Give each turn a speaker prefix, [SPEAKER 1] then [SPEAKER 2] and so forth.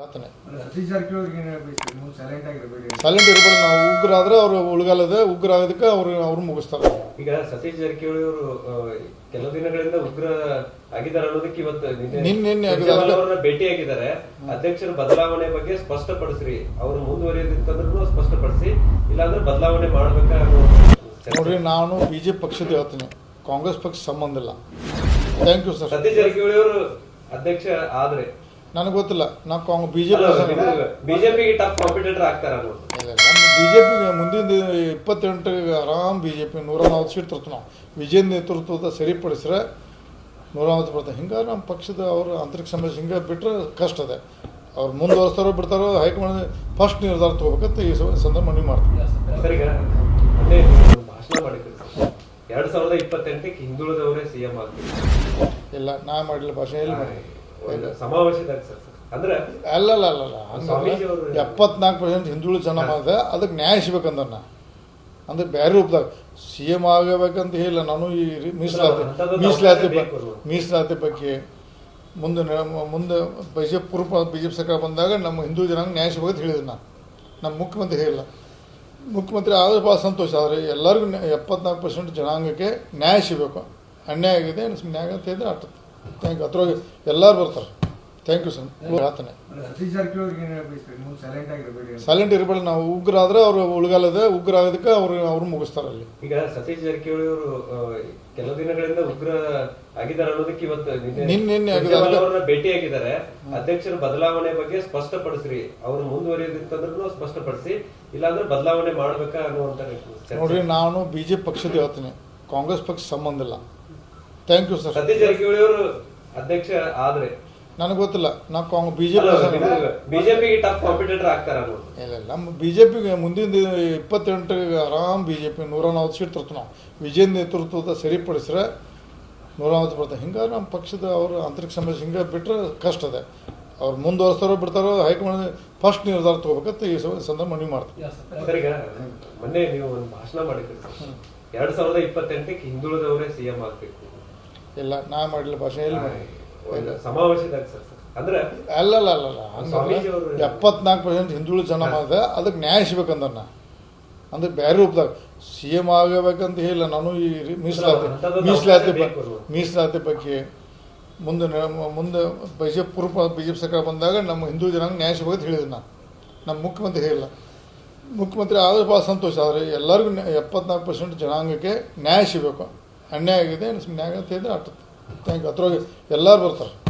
[SPEAKER 1] Silent ಇರಬೇಡಿ. ನಾವು ಉಗ್ರ ಆದ್ರೆ ಅವರು ಉಳ್ಗಾಲದೆ ಉಗ್ರ ಆಗೋದಕ್ಕೆ ಅವ್ರು ಮುಗಿಸ್ತಾರೆ.
[SPEAKER 2] ಈಗ ಸತೀಶ್ ಜಾರಕಿಹೊಳಿ ಅವರು ಕೆಲವು ದಿನಗಳಿಂದ ಉಗ್ರ ಆಗಿದ್ದಾರೆ ಅನ್ನೋದಕ್ಕೆ ಇವತ್ತು
[SPEAKER 1] ನಿನ್ನೆ
[SPEAKER 2] ಅವರನ್ನ ಭೇಟಿಯಾಗಿದ್ದಾರೆ. ಅಧ್ಯಕ್ಷರ ಬದಲಾವಣೆ ಬಗ್ಗೆ ಸ್ಪಷ್ಟಪಡಿಸ್ರಿ, ಅವರು ಮುಂದುವರಿಯೋದಿತ್ತಂದ್ರೂ ಸ್ಪಷ್ಟಪಡಿಸಿ, ಇಲ್ಲಾಂದ್ರೆ ಬದಲಾವಣೆ ಮಾಡ್ಬೇಕಾ
[SPEAKER 1] ನೋಡ್ರಿ. ನಾನು ಬಿಜೆಪಿ ಪಕ್ಷದ ಹೇಳ್ತೀನಿ, ಕಾಂಗ್ರೆಸ್ ಪಕ್ಷ ಸಂಬಂಧ ಇಲ್ಲ. Thank you sir.
[SPEAKER 2] Satish Jarkiholi ಅವರು ಅಧ್ಯಕ್ಷ ಆದ್ರೆ
[SPEAKER 1] ನನಗೆ ಗೊತ್ತಿಲ್ಲ. ನಾವು
[SPEAKER 2] ಬಿಜೆಪಿಗೆ ಟಫ್ ಕಾಂಪಿಟೇಟರ್ ಆಗ್ತಾರ.
[SPEAKER 1] ಬಿಜೆಪಿಗೆ ಮುಂದಿನ 28 ಆರಾಮ್ ಬಿಜೆಪಿ 140 ಸೀಟ್ ತರ್ತು. ನಾವು ವಿಜಯ್ ನೇತೃತ್ವದ ಸರಿಪಡಿಸ್ರೆ 140 ಬರ್ತಾರೆ. ಹಿಂಗಾಗಿ ನಮ್ಮ ಪಕ್ಷದ ಅವ್ರ ಆಂತರಿಕ ಸಮಸ್ಯೆ ಹಿಂಗೆ ಬಿಟ್ಟರೆ ಕಷ್ಟ ಇದೆ. ಅವ್ರು ಮುಂದುವರಿಸ್ತಾರೋ ಬಿಡ್ತಾರೋ ಹೈಕಮಾಂಡ್ ಫಸ್ಟ್ ನಿರ್ಧಾರ ತಗೋಬೇಕಂತ ಈ ಸಂದರ್ಭ ಮನವಿ ಮಾಡ್ತೀವಿ.
[SPEAKER 2] ಸರ್, ಈಗ ಭಾಷಣ ಮಾಡಿದ್ರು 2028ಕ್ಕೆ ಹಿಂದುಳಿದವರೇ ಸಿಎಂ ಆಗ್ತೀವಿ.
[SPEAKER 1] ಇಲ್ಲ, ನಾ ಮಾಡಿಲ್ಲ ಭಾಷೆ. ಎಲ್ಲಿ ಮಾಡಿ
[SPEAKER 2] ಸಮಾವೇಶದಾಗ ಸರ್ ಅಂದ್ರೆ
[SPEAKER 1] ಅಲ್ಲ 74% ಹಿಂದುಳಿದ ಜನ ಮಾಡಿದೆ. ಅದಕ್ಕೆ ನ್ಯಾಯ ಸಿಗ್ಬೇಕಂದ್ರೆ ಅಂದ್ರೆ ಬೇರೆ ರೂಪದಾಗ CM ಆಗಬೇಕಂತ ಹೇಳಿಲ್ಲ ನಾನು. ಈ ಮೀಸಲಾತಿ ಬಗ್ಗೆ ಮುಂದೆ ಬಿಜೆಪಿ ಸರ್ಕಾರ ಬಂದಾಗ ನಮ್ಮ ಹಿಂದೂ ಜನಾಂಗ ನ್ಯಾಯ ಸಿಗ್ಬೇಕಂತ ಹೇಳಿದೆ ನಾನು. ನಮ್ಮ ಮುಖ್ಯಮಂತ್ರಿ ಹೇಳಿಲ್ಲ. ಮುಖ್ಯಮಂತ್ರಿ ಆದ್ರೆ ಭಾಳ ಸಂತೋಷ. ಆದರೆ ಎಲ್ಲರಿಗೂ 74% ಜನಾಂಗಕ್ಕೆ ನ್ಯಾಯ ಸಿಗಬೇಕು. ಅನ್ಯಾಯ ಆಗಿದೆ, ನ್ಯಾಯ ಅಂತ ಹೇಳಿದ್ರೆ ಆಗ್ತದೆ. Thank you. ಅದ್ರೊಳಗೆ ಎಲ್ಲರೂ ಬರ್ತಾರೆ. Thank you sir. ಹೇಳ್ತಾನೆ ಸೈಲೆಂಟ್ ಇರಬೇಡಿ. ನಾವು ಉಗ್ರ ಆದ್ರೆ ಅವರು ಉಳ್ಗಾಲದೆ ಉಗ್ರ ಆಗೋದಕ್ಕೆ ಅವ್ರು ಮುಗಿಸ್ತಾರೆ. ಅಲ್ಲಿ
[SPEAKER 2] ಈಗ ಸತೀಶ್ ಜಾರಕಿಹೊಳಿ ಅವರು ಕೆಲವು ದಿನಗಳಿಂದ ಉಗ್ರ ಆಗಿದ್ದಾರೆ ಅನ್ನೋದಕ್ಕೆ ಇವತ್ತು
[SPEAKER 1] ನಿನ್ನೆ
[SPEAKER 2] ಅವರನ್ನ ಭೇಟಿಯಾಗಿದ್ದಾರೆ. ಅಧ್ಯಕ್ಷರ ಬದಲಾವಣೆ ಬಗ್ಗೆ ಸ್ಪಷ್ಟಪಡಿಸ್ರಿ, ಅವರು ಮುಂದುವರಿಯೋದಿತ್ತಂದ್ರೂ ಸ್ಪಷ್ಟಪಡಿಸಿ, ಇಲ್ಲಾಂದ್ರೆ ಬದಲಾವಣೆ ಮಾಡ್ಬೇಕಾ ಅನ್ನುವಂತ.
[SPEAKER 1] ನೋಡ್ರಿ, ನಾನು ಬಿಜೆಪಿ ಪಕ್ಷದ ಹೇಳ್ತೀನಿ, ಕಾಂಗ್ರೆಸ್ ಪಕ್ಷ ಸಂಬಂಧ ಇಲ್ಲ. Thank you sir.
[SPEAKER 2] Satish Jarkiholi ಅವರು ಅಧ್ಯಕ್ಷ ಆದ್ರೆ
[SPEAKER 1] ನನಗೆ ಗೊತ್ತಿಲ್ಲ. ನಾವು
[SPEAKER 2] ಬಿಜೆಪಿಗೆ ಟಫ್ ಕಾಂಪಿಟೇಟರ್ ಆಗ್ತಾರ.
[SPEAKER 1] ಇಲ್ಲ, ನಮ್ಮ ಬಿಜೆಪಿಗೆ ಮುಂದಿನ 28 ಆರಾಮ್ ಬಿಜೆಪಿ 140 ಸೀಟ್ ತರ್ತು. ನಾವು ವಿಜಯ್ ನೇತೃತ್ವದ ಸರಿಪಡಿಸ್ರೆ 140 ಬರ್ತಾರೆ. ಹಿಂಗಾಗಿ ನಮ್ಮ ಪಕ್ಷದ ಅವ್ರ ಆಂತರಿಕ ಸಮಸ್ಯೆ ಹಿಂಗೆ ಬಿಟ್ಟರೆ ಕಷ್ಟ ಇದೆ. ಅವ್ರು ಮುಂದುವರಿಸ್ತಾರೋ ಬಿಡ್ತಾರೋ ಹೈಕಮಾಂಡ್ ಫಸ್ಟ್ ನಿರ್ಧಾರ ತಗೋಬೇಕಂತ ಈ ಸಂದರ್ಭ ಮನವಿ ಮಾಡ್ತೀವಿ.
[SPEAKER 2] ಸರ್, ಈಗ ಮೊನ್ನೆ ನೀವು ಒಂದು ಭಾಷಣ ಮಾಡಿದ್ರಿ 2028ಕ್ಕೆ ಹಿಂದುಳಿದವರೇ ಸಿಎಂ ಆಗ್ಬೇಕು.
[SPEAKER 1] ಇಲ್ಲ, ನಾ ಮಾಡಿಲ್ಲ ಭಾಷೆ. ಎಲ್ಲಿ ಮಾಡಿ
[SPEAKER 2] ಸಮಾವೇಶದಾಗ ಸರ್ ಅಂದ್ರೆ
[SPEAKER 1] ಅಲ್ಲ 74% ಹಿಂದುಳಿದ ಜನ ಮಾಡಿದೆ. ಅದಕ್ಕೆ ನ್ಯಾಯ ಸಿಗ್ಬೇಕಂದ್ರೆ ಅಂದ್ರೆ ಬೇರೆ ರೂಪದಾಗ CM ಆಗಬೇಕಂತ ಹೇಳಿಲ್ಲ ನಾನು. ಈ ಮೀಸಲಾತಿ ಬಗ್ಗೆ ಮುಂದೆ ಬಿಜೆಪಿ ಸರ್ಕಾರ ಬಂದಾಗ ನಮ್ಮ ಹಿಂದೂ ಜನಾಂಗ ನ್ಯಾಯ ಸಿಗ್ಬೇಕಂತ ಹೇಳಿದೆ ನಾನು. ನಮ್ಮ ಮುಖ್ಯಮಂತ್ರಿ ಹೇಳಿಲ್ಲ. ಮುಖ್ಯಮಂತ್ರಿ ಆದ್ರೆ ಭಾಳ ಸಂತೋಷ. ಆದರೆ ಎಲ್ಲರಿಗೂ 74% ಜನಾಂಗಕ್ಕೆ ನ್ಯಾಯ ಸಿಗಬೇಕು. ಅನ್ಯಾಯ ಆಗಿದೆ, ನ್ಯಾಯ ಅಂತ ಹೇಳಿದ್ರೆ ಆಗ್ತದೆ. Thank you. ಅದ್ರೊಳಗೆ ಎಲ್ಲರೂ ಬರ್ತಾರೆ.